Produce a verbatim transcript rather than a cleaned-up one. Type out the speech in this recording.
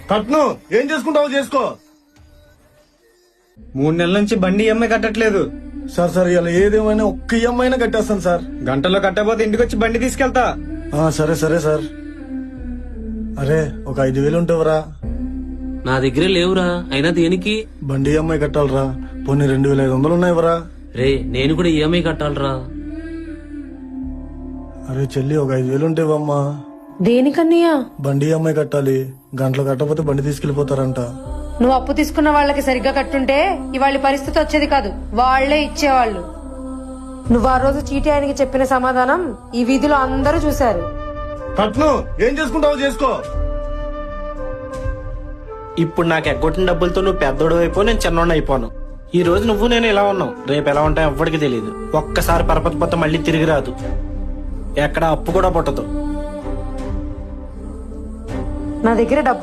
కట్ను ఏం చేసుకుంటావో చేసుకో. మూడు నెలల నుంచి బండి ఈఎంఐ కట్టట్లేదు. సార్ సార్ ఇలా ఏదేమైనా ఒక్క ఈఎంఐ అయినా కట్టేస్తాను సార్. గంటలో కట్టకపోతే ఇంటికి వచ్చి బండి తీసుకెళ్తా. ఆ, సరే సరే సార్. అరే ఒక ఐదు వేలు ఉంటావురా? నా దగ్గర లేవురా. అయినా దేనికి? బండి ఈఎంఐ కట్టాలరా. పోనీ రెండు వేల ఐదు వందలు ఉన్నాయివరా? రే నేను కూడా ఈఎంఐ కట్టాలరా. అరే చెల్లి ఒక ఐదు వేలు ఉంటావమ్మా. దేనికన్నయ్యా? బండి ఈఎంఐ కట్టాలి. గంటలు కట్టకపోతే బండి తీసుకెళ్లిపోతారంట. నువ్వు అప్పు తీసుకున్న వాళ్ళకి సరిగ్గా కట్టుంటే ఇవాళ పరిస్థితి వచ్చేది కాదు, వాళ్లే ఇచ్చేవాళ్ళు. నువ్వు ఆ రోజు చీటీ ఆయనకి చెప్పిన సమాధానం ఈ వీధిలో అందరూ చూశారు. కట్ను ఏం చేసుకుంటావో చేసుకో. ఇప్పుడు నాకు ఎగ్గొట్టిన డబ్బులతో నువ్వు పెద్దోడు అయిపో, నేను చిన్నోడు అయిపోను. ఈ రోజు నువ్వు నేను ఇలా ఉన్నావు, రేపు ఎలా ఉంటాయో ఎవ్వడికి తెలియదు. ఒక్కసారి పరపతి పోతే మళ్ళీ తిరిగి రాదు. ఎక్కడ అప్పు కూడా పుట్టదు. నా దగ్గర డబ్బు